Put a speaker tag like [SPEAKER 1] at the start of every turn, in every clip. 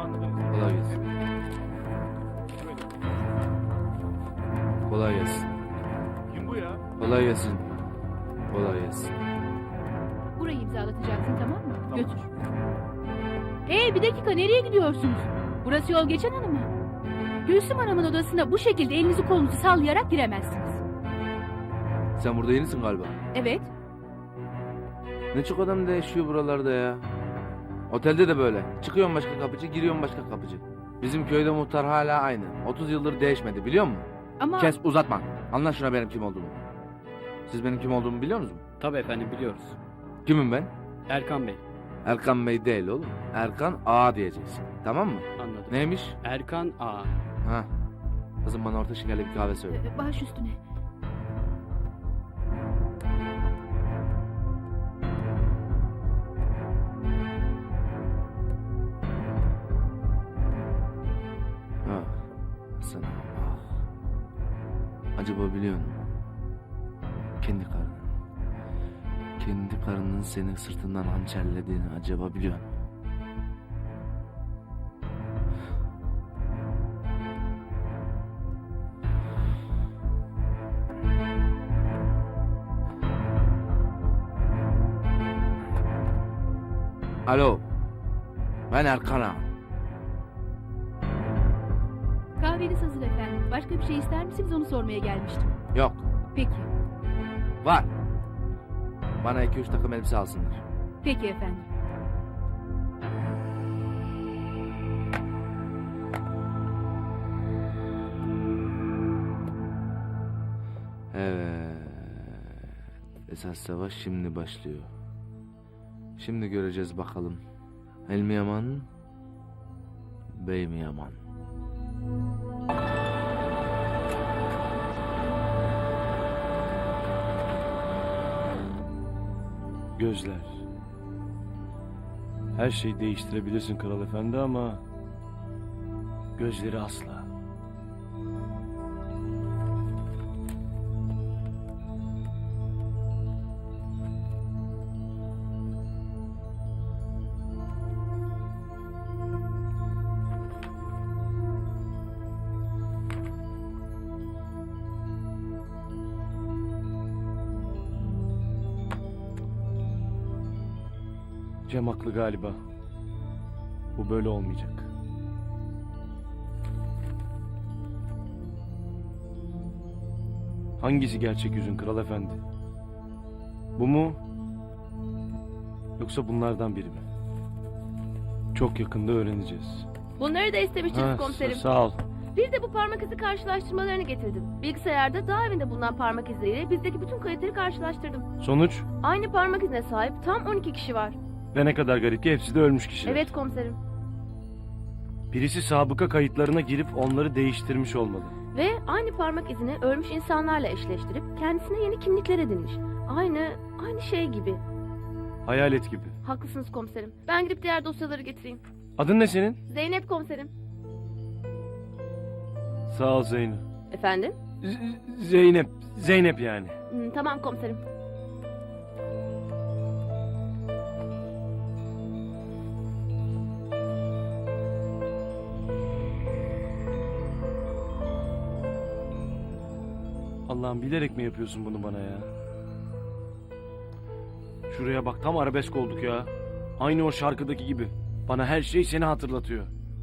[SPEAKER 1] Kolay gelsin. Kolay gelsin.
[SPEAKER 2] Kim bu ya?
[SPEAKER 1] Kolay gelsin. Kolay gelsin.
[SPEAKER 3] Burayı imzalatacaksın, tamam mı?
[SPEAKER 2] Tamam.
[SPEAKER 3] Götür. Hey, bir dakika, nereye gidiyorsunuz? Burası yol geçen hanım mı? Gülsüm Hanım'ın odasına bu şekilde elinizi kolunuzu sallayarak giremezsiniz.
[SPEAKER 1] Sen burada yenisin galiba.
[SPEAKER 3] Evet.
[SPEAKER 1] Ne çok adam değişiyor buralarda ya. Otelde de böyle. Çıkıyorsun başka kapıcı, giriyorsun başka kapıcı. Bizim köyde muhtar hala aynı. 30 yıldır değişmedi, biliyor musun?
[SPEAKER 3] Ama
[SPEAKER 1] Kes, uzatma. Anla şuna benim kim olduğumu. Siz benim kim olduğumu biliyor musunuz?
[SPEAKER 4] Tabii efendim biliyoruz.
[SPEAKER 1] Kimim ben?
[SPEAKER 4] Erkan Bey.
[SPEAKER 1] Erkan Bey değil oğlum. Erkan Ağa diyeceksin. Tamam mı?
[SPEAKER 4] Anladım.
[SPEAKER 1] Neymiş?
[SPEAKER 4] Erkan A.
[SPEAKER 1] Ha. Kızım bana orta şekerli bir kahve söyle.
[SPEAKER 3] baş üstüne.
[SPEAKER 1] Ah. Sana ah. Acaba biliyor musun? Kendi karının. Kendi karının seni sırtından hançerlediğini acaba biliyor musun? Alo. Ben Erkan Ağa.
[SPEAKER 3] Kahveniz hazır efendim. Başka bir şey ister misiniz, onu sormaya gelmiştim.
[SPEAKER 1] Yok.
[SPEAKER 3] Peki.
[SPEAKER 1] Var. Bana 2-3 takım elbise alsınlar.
[SPEAKER 3] Peki efendim.
[SPEAKER 1] Evet. Esas savaş şimdi başlıyor. Şimdi göreceğiz bakalım. El mi yaman? Bey mi yaman?
[SPEAKER 2] Gözler. Her şeyi değiştirebilirsin kral efendi ama gözleri asla. Cem haklı galiba. Bu böyle olmayacak. Hangisi gerçek yüzün kral efendi? Bu mu? Yoksa bunlardan biri mi? Çok yakında öğreneceğiz.
[SPEAKER 5] Bunları da istemiştiniz komiserim.
[SPEAKER 2] Sağ ol.
[SPEAKER 5] Bir de bu parmak izi karşılaştırmalarını getirdim. Bilgisayarda daha evinde bulunan parmak izleriyle bizdeki bütün kayıtları karşılaştırdım.
[SPEAKER 2] Sonuç?
[SPEAKER 5] Aynı parmak izine sahip tam 12 kişi var.
[SPEAKER 2] Ve ne kadar garip ki hepsi de ölmüş kişiler.
[SPEAKER 5] Evet komiserim.
[SPEAKER 2] Birisi sabıka kayıtlarına girip onları değiştirmiş olmalı.
[SPEAKER 5] Ve aynı parmak izini ölmüş insanlarla eşleştirip kendisine yeni kimlikler edinmiş. Aynı şey gibi.
[SPEAKER 2] Hayalet gibi.
[SPEAKER 5] Haklısınız komiserim. Ben gidip diğer dosyaları getireyim.
[SPEAKER 2] Adın ne senin?
[SPEAKER 5] Zeynep komiserim.
[SPEAKER 2] Sağ ol Zeynep.
[SPEAKER 5] Efendim?
[SPEAKER 2] Zeynep. Zeynep yani.
[SPEAKER 5] Tamam komiserim.
[SPEAKER 2] Allah'ım bilerek mi yapıyorsun bunu bana ya? Şuraya bak tam arabesk olduk ya. Aynı o şarkıdaki gibi. Bana her şey seni hatırlatıyor.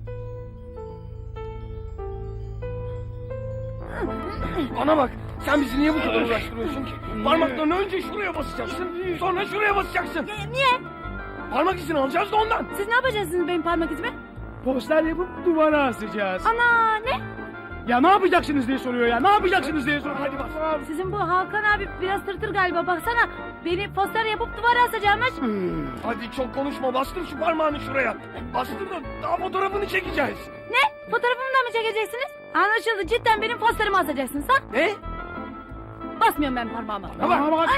[SPEAKER 2] Bana bak. Sen bizi niye bu kadar uğraştırıyorsun ki? Parmaklarını önce şuraya basacaksın. Sonra şuraya basacaksın.
[SPEAKER 3] Niye?
[SPEAKER 2] Parmak izini alacağız da ondan.
[SPEAKER 3] Siz ne yapacaksınız benim parmak izime?
[SPEAKER 6] Poster yapıp duvara asacağız.
[SPEAKER 3] Ana, ne?
[SPEAKER 6] Ya ne yapacaksınız diye soruyor ya. Ne yapacaksınız diye soruyor. Hadi bak.
[SPEAKER 3] Sizin bu Hakan abi biraz tırtır galiba, baksana. Beni poster yapıp duvara asacakmış.
[SPEAKER 2] Hadi çok konuşma. Bastır şu parmağını şuraya. Bastır da daha fotoğrafını çekeceğiz.
[SPEAKER 3] Ne? Fotoğrafımı da mı çekeceksiniz? Anlaşıldı, cidden benim posterimi asacaksınız ha?
[SPEAKER 2] Ne?
[SPEAKER 3] Basmıyorum ben parmağıma.
[SPEAKER 2] Tamam.
[SPEAKER 6] Bak.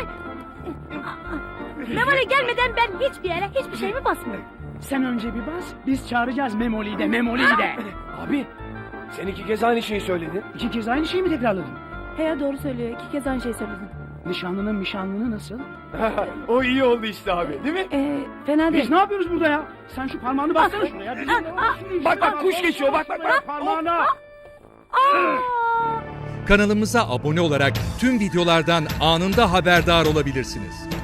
[SPEAKER 3] Memoli gelmeden ben hiçbir yere hiçbir şeyimi basmıyorum.
[SPEAKER 6] Sen önce bir bas. Biz çağıracağız Memoli'yi de. Memoli'yi de.
[SPEAKER 2] Abi sen 2 kez aynı şeyi söyledin.
[SPEAKER 6] 2 kez aynı şeyi mi tekrarladın?
[SPEAKER 3] He ya, doğru söylüyor. 2 kez aynı şeyi söyledim.
[SPEAKER 6] Nişanlının nasıl?
[SPEAKER 2] O iyi oldu işte abi, değil mi?
[SPEAKER 5] Fena
[SPEAKER 6] Biz ne yapıyoruz burada ya? Sen şu parmağını baksana şuraya.
[SPEAKER 2] Bak bak, kuş geçiyor, bak bak bak.
[SPEAKER 6] Parmağına.
[SPEAKER 7] Kanalımıza abone olarak tüm videolardan anında haberdar olabilirsiniz.